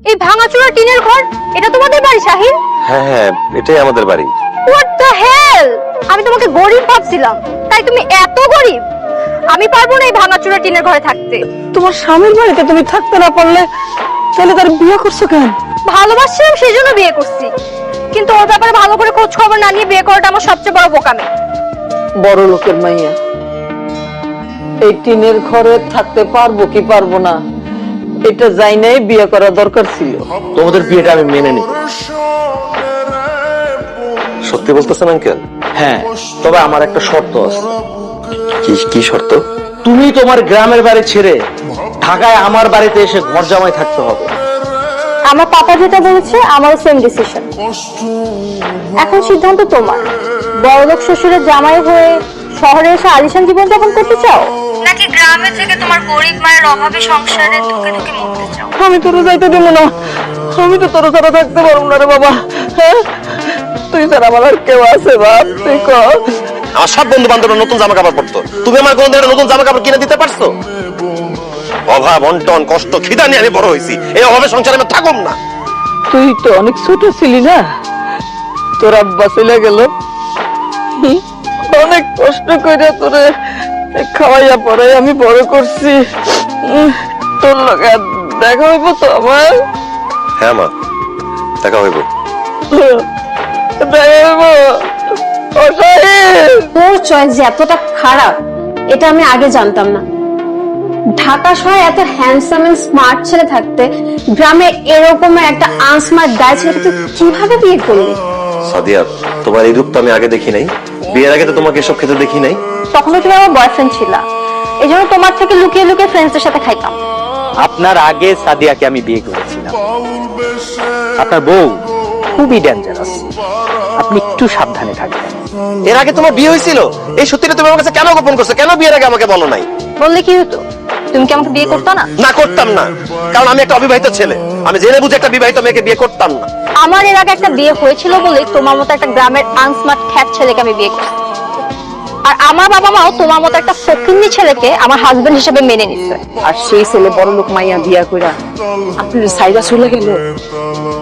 এই ভাঙাচোরা টিনের ঘর, এটা তোমাদের বাড়ি শাহিন? হ্যাঁ হ্যাঁ, এটাই আমাদের বাড়ি। What the hell! আমি তোমাকে গরিব ভাবছিলাম, তাই তুমি এত গরিব? আমি পারবো না এই ভাঙাচোরা টিনের ঘরে থাকতে। তোমার স্বামীর বাড়িতে তুমি থাকতে না পারলে তাহলে তার বিয়ে করছো কেন? ভালোবাসছিলাম সেই জন্য বিয়ে করছি, কিন্তু ওর ব্যাপারে ভালো করে খোঁজ খবর না নিয়ে বিয়ে করাটা আমার সবচেয়ে বড় বোকামি। বড় লোকের মাইয়া এই টিনের ঘরে থাকতে পারবো কি পারবো না এটা যাই নাই বিয়ে করা দরকার ছিল। তোমাদের বিয়েটা আমি মেনে নিই। সত্যি বলতেছেন আঙ্কেল? হ্যাঁ, তবে আমার একটা শর্ত আছে। কি কি শর্ত? তুমি তোমার গ্রামের বাড়ি ছেড়ে ঢাকায় আমার বাড়িতে এসে ঘর জামাই থাকতে হবে। আমার পাপা যেটা বলেছে আমারও সেম ডিসিশন। এখন সিদ্ধান্ত তোমার। বড়লোক শ্বশুরের জামাই হয়ে শহরে এসে আলিশান জীবন যাপন করতে চাও, নাকি গ্রামে থেকে তোমার গরিব মায়ের অভাবে সংসারে ধুকে ধুকে মরতে চাও? আমি তোর যাইতে দিব না, আমি তো তোর ছাড়া থাকতে পারবো না রে বাবা। হ্যাঁ, তুই ছাড়া আমার আর কেউ আছে বাপ? তুই কর। আমার সব বন্ধু বান্ধবরা নতুন জামা কাপড় পরতো, তুমি আমার কোন ধরনের নতুন জামা কাপড় কিনে দিতে পারছো? অভাব, অন্টন, কষ্ট, খিদা নিয়ে আমি বড় হয়েছি। এই অভাবে সংসারে আমি থাকুম না। তুই তো অনেক ছোট ছিলি না, তোর আব্বা চলে গেল, অনেক কষ্ট করে তোরে খাওয়াইয়া পড়াই আমি বড় করছি। তোর লগে দেখা হইব তো আমার? হ্যাঁ মা, দেখা হইব। দেখা হইব। তোর চয়েস যে এতটা খারাপ এটা আমি আগে জানতাম না। ঢাকা শহরে এত হ্যান্ডসাম এন্ড স্মার্ট ছেলে থাকতে গ্রামে এরকম একটা আনস্মার্ট গায়ে ছেলেকে তুই কিভাবে বিয়ে করলি? সাদিয়া, তোমার এই রূপ তো আমি আগে দেখি নাই। বিয়ের আগে তো তোমাকে এসব খেতে দেখি নাই। তখনও তুমি আমার বয়ফ্রেন্ড ছিলা, এই জন্য তোমার থেকে লুকিয়ে লুকিয়ে ফ্রেন্ডসদের সাথে খাইতাম। আপনার আগে সাদিয়াকে আমি বিয়ে করেছিলাম। আপনার বউ খুবই ডেঞ্জারাস, আপনি একটু সাবধানে থাকবেন। এর আগে তোমার বিয়ে হয়েছিল? এই সত্যিটা তুমি আমার কাছে কেন গোপন করছো? কেন বিয়ের আগে আমাকে বলো নাই? বললে কি হতো? তুমি কি আমাকে বিয়ে করতো না? না, করতাম না, কারণ আমি একটা অবিবাহিত ছেলে। আমি জেনে বুঝে একটা বিবাহিত মেয়েকে বিয়ে করতাম না। আমার এর আগে একটা বিয়ে হয়েছিল বলে তোমার মতো একটা গ্রামের আনস্মার্ট খ্যাত ছেলেকে আমি বিয়ে করছি। আর আমার বাবা মাও তোমার মতো একটা ফকিন্নি ছেলেকে আমার হাজবেন্ড হিসেবে মেনে নিচ্ছে। আর সেই ছেলে বড় লোক মাইয়া বিয়া কইরা আপনার সাইডা চলে গেল।